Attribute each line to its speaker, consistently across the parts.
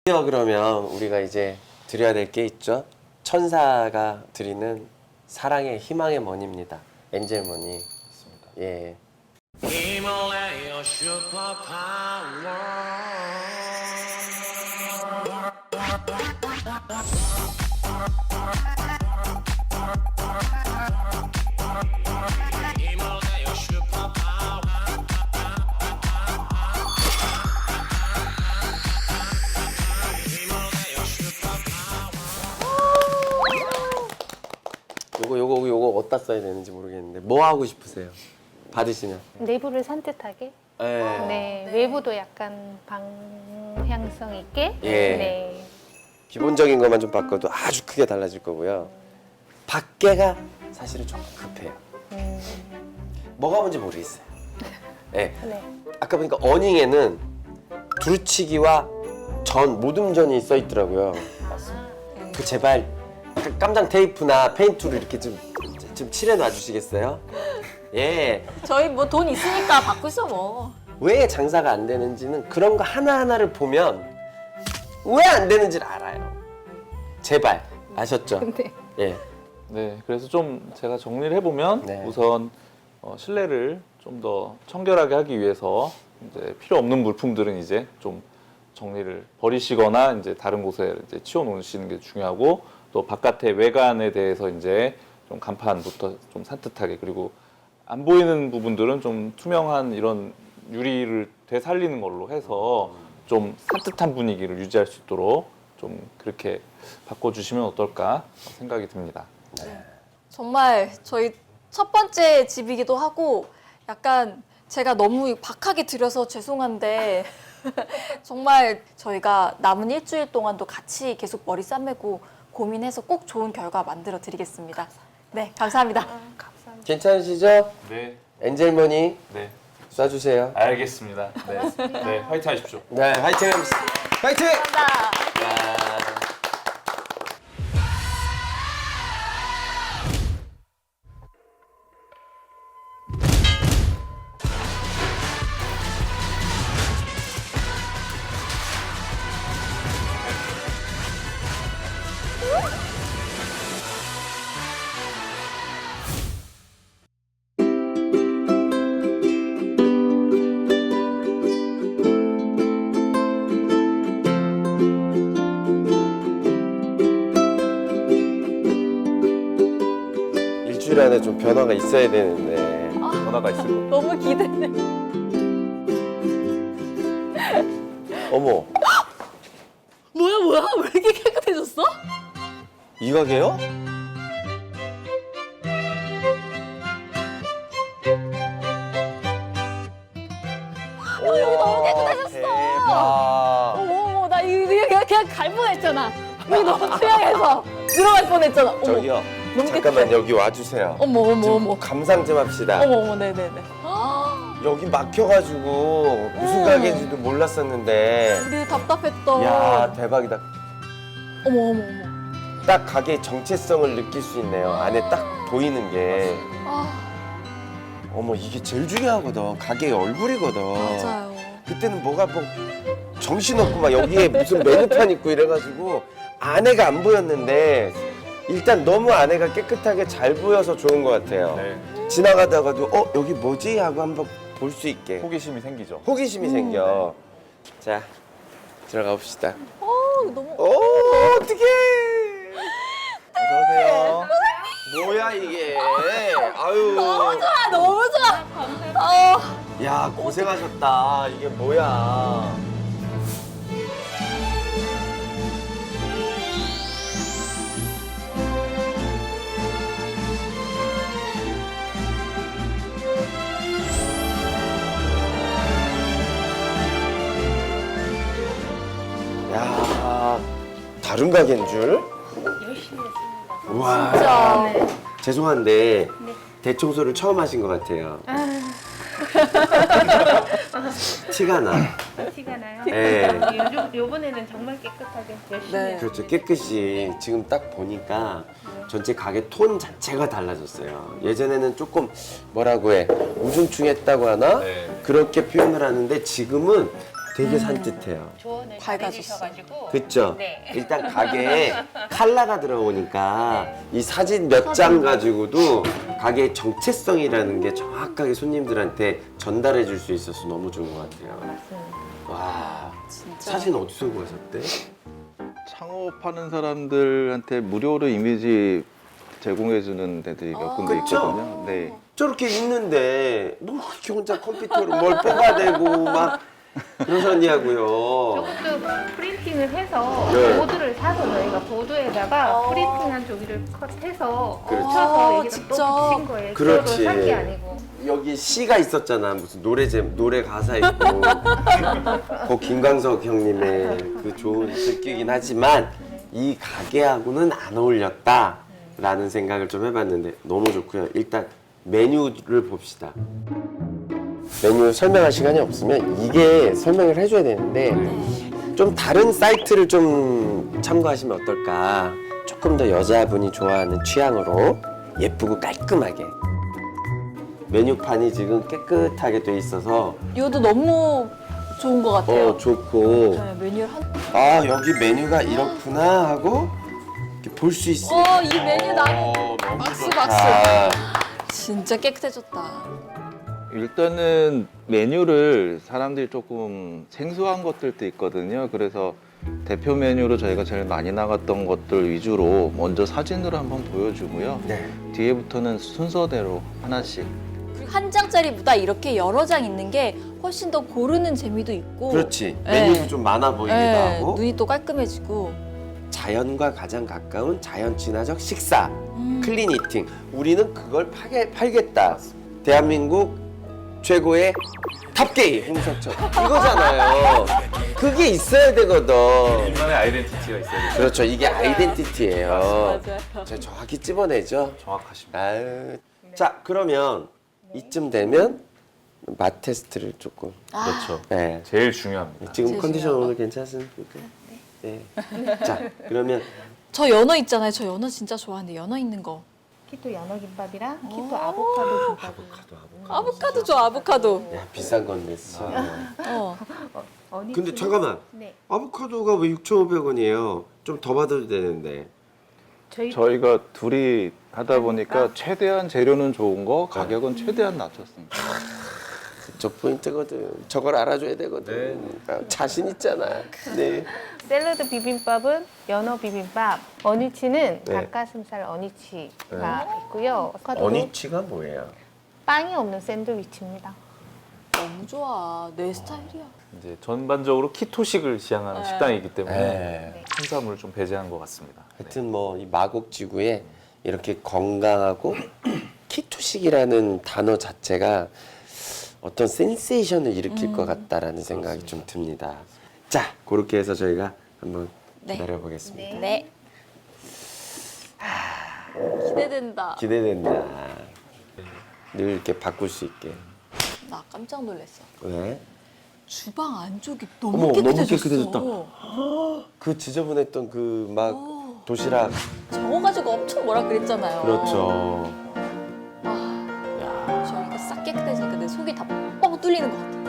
Speaker 1: 그러면 우리가 이제 드려야 될 게 있죠. 천사가 드리는 사랑의 희망의 머니입니다. 엔젤 머니. 예. 요거 어디다 써야 되는지 모르겠는데 뭐 하고 싶으세요? 받으시면.
Speaker 2: 내부를 산뜻하게.
Speaker 1: 예.
Speaker 2: 네. 외부도 약간 방향성 있게.
Speaker 1: 예.
Speaker 2: 네.
Speaker 1: 기본적인 것만 좀 바꿔도 아주 크게 달라질 거고요. 밖에가 사실은 좀 급해요. 뭐가 뭔지 모르겠어요. 예.
Speaker 2: 네.
Speaker 1: 아까 보니까 어닝에는 두루치기와 전 모듬전이 써 있더라고요. 그 제발 깜장 테이프나 페인트로 이렇게 좀 칠해 놔주시겠어요? 예.
Speaker 3: 저희 뭐 돈 있으니까 바꾸죠 뭐.
Speaker 1: 왜 장사가 안 되는지는 그런 거 하나하나를 보면 왜 안 되는지를 알아요. 제발. 아셨죠?
Speaker 2: 네.
Speaker 1: 예.
Speaker 4: 네, 그래서 좀 제가 정리를 해보면
Speaker 1: 네.
Speaker 4: 우선 실내를 좀 더 청결하게 하기 위해서 이제 필요 없는 물품들은 이제 좀 정리를 버리시거나 이제 다른 곳에 이제 치워 놓으시는 게 중요하고, 또 바깥의 외관에 대해서 이제 좀 간판부터 좀 산뜻하게, 그리고 안 보이는 부분들은 좀 투명한 이런 유리를 되살리는 걸로 해서 좀 산뜻한 분위기를 유지할 수 있도록 좀 그렇게 바꿔주시면 어떨까 생각이 듭니다.
Speaker 3: 정말 저희 첫 번째 집이기도 하고 약간 제가 너무 박하게 드려서 죄송한데 정말 저희가 남은 일주일 동안도 같이 계속 머리 싸매고 고민해서 꼭 좋은 결과 만들어 드리겠습니다. 네, 감사합니다.
Speaker 2: 감사합니다.
Speaker 1: 괜찮으시죠?
Speaker 4: 네,
Speaker 1: 엔젤머니
Speaker 4: 네,
Speaker 1: 쏴주세요.
Speaker 4: 알겠습니다. 네, 네, 화이팅 하십시오.
Speaker 1: 네, 화이팅! 화이팅!
Speaker 3: 감사합니다.
Speaker 1: 일주일 안에 좀 변화가 있어야 되는데.
Speaker 4: 변화가 있을 것
Speaker 3: 너무 기대돼.
Speaker 1: 어머,
Speaker 3: 뭐야? 왜 이렇게 깨끗해졌어?
Speaker 1: 이 가게요?
Speaker 3: 여기 너무 깨끗해졌어.
Speaker 1: 대박.
Speaker 3: 어머, 나 이거 그냥 갈 뻔했잖아. 여기 너무 투명해서 들어갈 뻔했잖아. 어머,
Speaker 1: 저기요,
Speaker 3: 너무
Speaker 1: 잠깐만
Speaker 3: 깨끗해.
Speaker 1: 여기 와주세요.
Speaker 3: 어머.
Speaker 1: 감상 좀 합시다.
Speaker 3: 어머, 네네네.
Speaker 1: 여기 막혀가지고 무슨 가게인지도 몰랐었는데.
Speaker 3: 우리 답답했던.
Speaker 1: 야 대박이다.
Speaker 3: 어머.
Speaker 1: 딱 가게의 정체성을 느낄 수 있네요. 안에 딱 보이는 게.
Speaker 3: 아,
Speaker 1: 어머 이게 제일 중요하거든. 가게의 얼굴이거든.
Speaker 3: 맞아요.
Speaker 1: 그때는 뭐가 뭐 정신없고 막 여기에 무슨 메뉴판 있고 이래가지고 안에가 안 보였는데 일단 너무 안에가 깨끗하게 잘 보여서 좋은 것 같아요.
Speaker 4: 네,
Speaker 1: 지나가다가도 여기 뭐지? 하고 한번 볼 수 있게
Speaker 4: 호기심이 생기죠.
Speaker 1: 호기심이 생겨. 자 들어가 봅시다.
Speaker 3: 너무.
Speaker 1: 어떡해.
Speaker 4: 어서 오세요.
Speaker 1: 뭐야 이게. 아유.
Speaker 3: 너무 좋아.
Speaker 1: 야 고생하셨다. 이게 뭐야. 야 다른 가게인 줄?
Speaker 2: 열심히 했습니다.
Speaker 1: 우와.
Speaker 3: 진짜.
Speaker 2: 네.
Speaker 1: 죄송한데 대청소를 처음 하신 것 같아요. 티가 나.
Speaker 2: 티가 나요?
Speaker 1: 네.
Speaker 2: 요번에는 정말 깨끗하게 열심히
Speaker 3: 네.
Speaker 2: 했어요.
Speaker 1: 그렇죠. 깨끗이 지금 딱 보니까 전체 가게 톤 자체가 달라졌어요. 예전에는 조금 뭐라고 해 우중충했다고 하나?
Speaker 4: 네.
Speaker 1: 그렇게 표현을 하는데 지금은 되게 산뜻해요.
Speaker 2: 조언을
Speaker 3: 밝아졌어.
Speaker 2: 잘해주셔가지고.
Speaker 1: 그쵸?
Speaker 2: 네.
Speaker 1: 일단 가게에 컬러가 들어오니까 이 사진 몇 장 가지고도 가게의 정체성이라는 게 정확하게 손님들한테 전달해 줄 수 있어서 너무 좋은 것 같아요.
Speaker 2: 맞습니다.
Speaker 1: 와,
Speaker 3: 진짜.
Speaker 1: 사진 어디서 구하셨대?
Speaker 5: 창업하는 사람들한테 무료로 이미지 제공해주는 데들이 몇 군데
Speaker 1: 그쵸?
Speaker 5: 있거든요. 네.
Speaker 1: 저렇게 있는데 뭐 이렇게 혼자 컴퓨터로 뭘 뽑아대고 막 그러셨냐고요.
Speaker 2: 저것도 프린팅을 해서
Speaker 1: 네.
Speaker 2: 보드를 사서 저희가 보드에다가 프린팅한 종이를 컷해서
Speaker 1: 그렇지.
Speaker 2: 붙여서 여기다
Speaker 3: 직접.
Speaker 2: 또 붙인 거예요.
Speaker 1: 그렇지.
Speaker 2: 저도 산 게 아니고.
Speaker 1: 여기 시가 있었잖아. 무슨 노래 가사 있고. 그 김광석 형님의 그 좋은 글귀긴 하지만 이 가게하고는 안 어울렸다라는 생각을 좀 해봤는데 너무 좋고요. 일단 메뉴를 봅시다. 메뉴 설명할 시간이 없으면 이게 설명을 해줘야 되는데 좀 다른 사이트를 좀 참고하시면 어떨까. 조금 더 여자분이 좋아하는 취향으로 예쁘고 깔끔하게 메뉴판이 지금 깨끗하게 돼 있어서
Speaker 3: 이것도 너무 좋은 것 같아요.
Speaker 1: 좋고
Speaker 3: 네, 메뉴를 한.
Speaker 1: 아 여기 메뉴가 이렇구나 하고 볼 수 있으니까
Speaker 3: 이 메뉴 나는
Speaker 1: 너무
Speaker 3: 박수,
Speaker 1: 좋다.
Speaker 3: 박수. 진짜 깨끗해졌다.
Speaker 5: 일단은 메뉴를 사람들이 조금 생소한 것들도 있거든요. 그래서 대표 메뉴로 저희가 제일 많이 나갔던 것들 위주로 먼저 사진으로 한번 보여주고요.
Speaker 1: 네.
Speaker 5: 뒤에부터는 순서대로 하나씩.
Speaker 3: 그리고 한 장짜리보다 이렇게 여러 장 있는 게 훨씬 더 고르는 재미도 있고.
Speaker 1: 그렇지
Speaker 3: 네.
Speaker 1: 메뉴도 좀 많아 보이기도
Speaker 3: 네,
Speaker 1: 하고
Speaker 3: 눈이 또 깔끔해지고.
Speaker 1: 자연과 가장 가까운 자연 친화적 식사 클린 이팅 우리는 그걸 팔겠다 대한민국 최고의 탑게이 홍석천 이거잖아요. 그게 있어야 되거든.
Speaker 4: 인간의 아이덴티티가 있어야 돼요.
Speaker 1: 그렇죠. 이게 아이덴티티예요.
Speaker 3: 맞아요.
Speaker 1: 제가 정확히 찝어내죠.
Speaker 4: 정확하십니다.
Speaker 1: 아유. 자 그러면 이쯤 되면 맛 테스트를 조금.
Speaker 4: 그렇죠.
Speaker 1: 네.
Speaker 4: 제일 중요합니다.
Speaker 1: 지금
Speaker 3: 제일
Speaker 1: 컨디션
Speaker 3: 중요한
Speaker 1: 오늘 괜찮습니까? 네. 자 그러면
Speaker 3: 저 연어 있잖아요. 저 연어 진짜 좋아하는데 연어 있는 거.
Speaker 2: 키토 연어 김밥이랑 키토 아보카도 김밥.
Speaker 3: 아보카도 줘, 아보카도.
Speaker 1: 야 비싼 건 냈어. 근데 잠깐만.
Speaker 2: 네.
Speaker 1: 아보카도가 왜 6,500원이에요? 좀 더 받아도 되는데.
Speaker 5: 저희가 둘이 하다 보니까 최대한 재료는 좋은 거, 가격은 최대한 낮췄습니다.
Speaker 1: 저 포인트거든. 저걸 알아줘야 되거든. 아, 자신 있잖아. 네.
Speaker 2: 샐러드 비빔밥은 연어 비빔밥, 어니치는
Speaker 1: 네.
Speaker 2: 닭가슴살 어니치가 있고요. 아보카도는
Speaker 1: 어니치가 뭐예요?
Speaker 2: 빵이 없는 샌드위치입니다.
Speaker 3: 너무 좋아. 내 스타일이야.
Speaker 4: 이제 전반적으로 키토식을 지향하는 식당이기 때문에
Speaker 1: 네.
Speaker 4: 탄수화물을 좀 배제한 것 같습니다.
Speaker 1: 하여튼 뭐 이 마곡지구에 이렇게 건강하고 키토식이라는 단어 자체가 어떤 센세이션을 일으킬 것 같다라는 생각이 좀 듭니다. 자, 그렇게 해서 저희가 한번
Speaker 3: 네.
Speaker 1: 기다려보겠습니다.
Speaker 2: 네.
Speaker 3: 기대된다.
Speaker 1: 기대된다. 늘 이렇게 바꿀 수 있게.
Speaker 3: 나 깜짝 놀랐어.
Speaker 1: 왜?
Speaker 3: 주방 안쪽이
Speaker 1: 어머,
Speaker 3: 너무
Speaker 1: 너무
Speaker 3: 깨끗해졌어.
Speaker 1: 깨끗해졌다. 그 지저분했던 그 막 도시락.
Speaker 3: 저거 가지고 엄청 뭐라 그랬잖아요.
Speaker 1: 그렇죠.
Speaker 3: 저희가 싹 깨끗해지니까 내 속이 다 뻥 뚫리는 것 같아.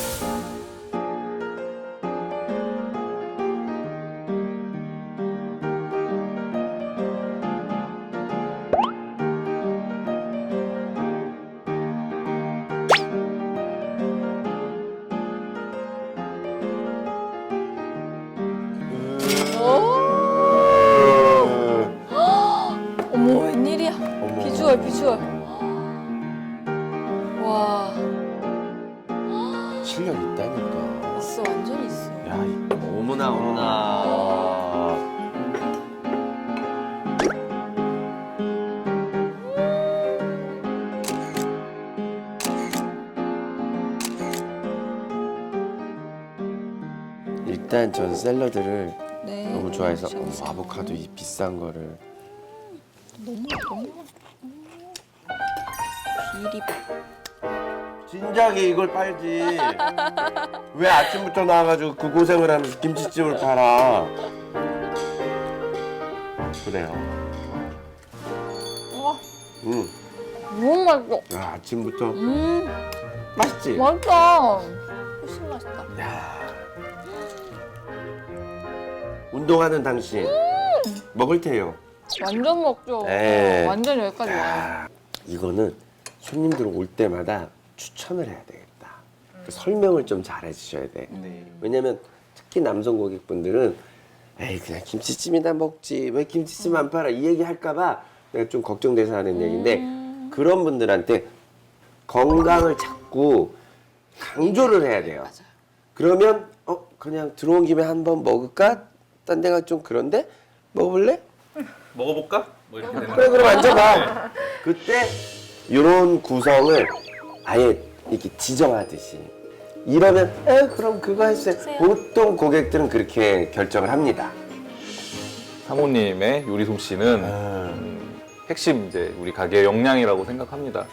Speaker 3: 어머 웬일이야.
Speaker 1: 어머.
Speaker 3: 비주얼 비주얼. 와
Speaker 1: 실력 있다니까.
Speaker 3: 있어 완전 있어.
Speaker 1: 야, 어머나 어머나. 일단 전 샐러드를
Speaker 3: 네.
Speaker 1: 너무 좋아해서 어머,
Speaker 3: 좋았어요.
Speaker 1: 아보카도 이 비싼 거를
Speaker 3: 너무 비리밥.
Speaker 1: 진작에 이걸 팔지. 왜 아침부터 나와가지고 그 고생을 하면서 김치찜을 팔아? 그래요.
Speaker 3: 와 너무 맛있어.
Speaker 1: 야, 아침부터 맛있지?
Speaker 3: 맛있다. 훨씬 맛있다.
Speaker 1: 야, 운동하는 당신 먹을 테요.
Speaker 3: 완전 먹죠.
Speaker 1: 네.
Speaker 3: 완전 여기까지 와요.
Speaker 1: 야, 이거는 손님들 올 때마다 추천을 해야 되겠다. 그 설명을 좀 잘 해주셔야 돼. 왜냐면 특히 남성 고객분들은 에이 그냥 김치찜이나 먹지 왜 김치찜 안 팔아 이 얘기 할까봐 내가 좀 걱정돼서 하는 얘기인데 그런 분들한테 건강을 자꾸 강조를 해야 돼요. 그러면 그냥 들어온 김에 한번 먹을까? 딴 데가 좀 그런데 먹어볼래?
Speaker 4: 먹어볼까? 뭐 이렇게 되는
Speaker 1: 그래 그럼 앉아봐. 그때 이런 구성을 아예 이렇게 지정하듯이 이러면 그럼 그거 해주세요. 보통 고객들은 그렇게 결정을 합니다.
Speaker 4: 사모님의 요리 솜씨는 핵심 이제 우리 가게의 역량이라고 생각합니다.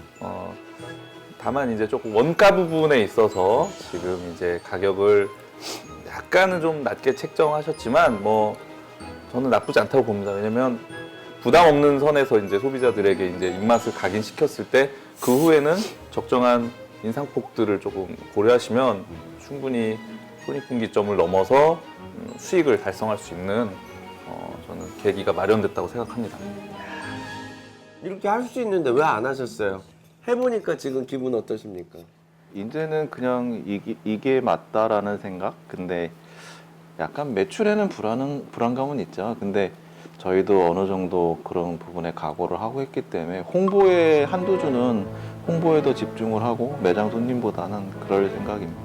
Speaker 4: 다만 이제 조금 원가 부분에 있어서 지금 이제 가격을 약간은 좀 낮게 책정하셨지만 뭐 저는 나쁘지 않다고 봅니다. 왜냐면 부담 없는 선에서 이제 소비자들에게 이제 입맛을 각인시켰을 때 그 후에는 적정한 인상폭들을 조금 고려하시면 충분히 손익분기점을 넘어서 수익을 달성할 수 있는 저는 계기가 마련됐다고 생각합니다.
Speaker 1: 이렇게 할 수 있는데 왜 안 하셨어요? 해보니까 지금 기분 어떠십니까?
Speaker 5: 이제는 그냥 이게 맞다라는 생각? 근데 약간 매출에는 불안감은 있죠. 근데 저희도 어느 정도 그런 부분에 각오를 하고 했기 때문에 홍보에 한두 주는 홍보에 더 집중을 하고 매장 손님보다는 그럴 생각입니다.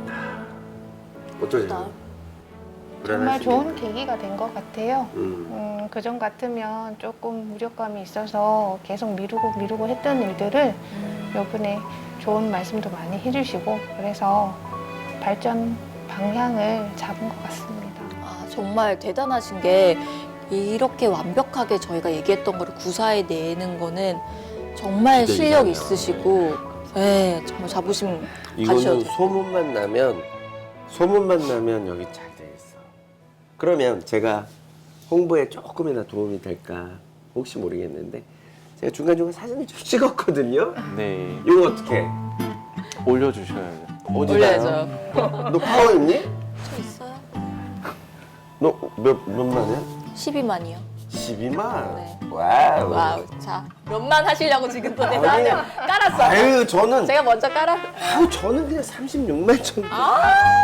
Speaker 1: 어떠세요?
Speaker 2: 정말
Speaker 1: 불안하시죠?
Speaker 2: 좋은 계기가 된 것 같아요. 그전 같으면 조금 무력감이 있어서 계속 미루고 했던 일들을 이번에 좋은 말씀도 많이 해주시고 그래서 발전 방향을 잡은 것 같습니다.
Speaker 3: 아, 정말 대단하신 게 이렇게 완벽하게 저희가 얘기했던 거를 구사해 내는 거는 정말
Speaker 1: 진짜
Speaker 3: 실력
Speaker 1: 이상해요.
Speaker 3: 있으시고 네, 정말 자부심
Speaker 1: 이거는
Speaker 3: 가셔도
Speaker 1: 소문만 나면 여기 잘 되겠어. 그러면 제가 홍보에 조금이나 도움이 될까 혹시 모르겠는데 제가 중간중간 사진을 좀 찍었거든요.
Speaker 5: 네,
Speaker 1: 이거 어떻게?
Speaker 5: 올려주셔야죠.
Speaker 3: 올려야죠.
Speaker 1: 너 파워 있니?
Speaker 3: 저 있어요?
Speaker 1: 너 몇만이야?
Speaker 3: 12만이요.
Speaker 1: 12만?
Speaker 3: 네.
Speaker 1: 와우.
Speaker 3: 와우. 자, 몇만 하시려고 지금 또 내가
Speaker 1: 아니,
Speaker 3: 깔았어요.
Speaker 1: 아유 저는
Speaker 3: 제가 먼저
Speaker 1: 저는 그냥 36만 정도.
Speaker 3: 아,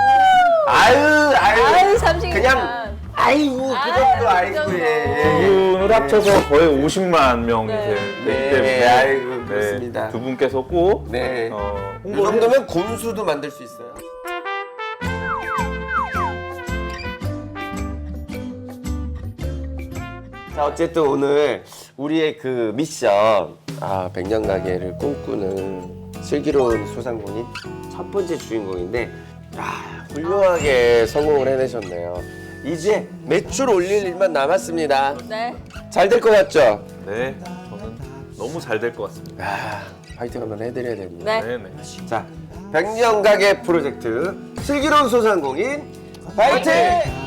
Speaker 1: 아유
Speaker 3: 30만.
Speaker 1: 그냥 아이고 그
Speaker 3: 아유,
Speaker 1: 정도
Speaker 3: 그
Speaker 1: 아이고
Speaker 3: 정도.
Speaker 4: 두
Speaker 1: 예.
Speaker 4: 분을 합쳐서 거의 50만 명이
Speaker 3: 네.
Speaker 4: 되기
Speaker 1: 네,
Speaker 4: 때문에
Speaker 1: 아이고 그렇습니다.
Speaker 4: 두 분께서 꼭
Speaker 1: 네. 이
Speaker 4: 홍보를
Speaker 1: 정도면 곰수도 만들 수 있어요. 자 어쨌든 오늘 우리의 그 미션 백년 가게를 꿈꾸는 슬기로운 소상공인 첫 번째 주인공인데 훌륭하게 성공을 해내셨네요. 이제 매출 올릴 일만 남았습니다.
Speaker 3: 네.
Speaker 1: 잘 될 것 같죠?
Speaker 4: 네, 저는 너무 잘 될 것 같습니다.
Speaker 1: 파이팅 한번 해드려야 됩니다.
Speaker 3: 네.
Speaker 4: 네.
Speaker 1: 자, 백년 가게 프로젝트 슬기로운 소상공인 파이팅!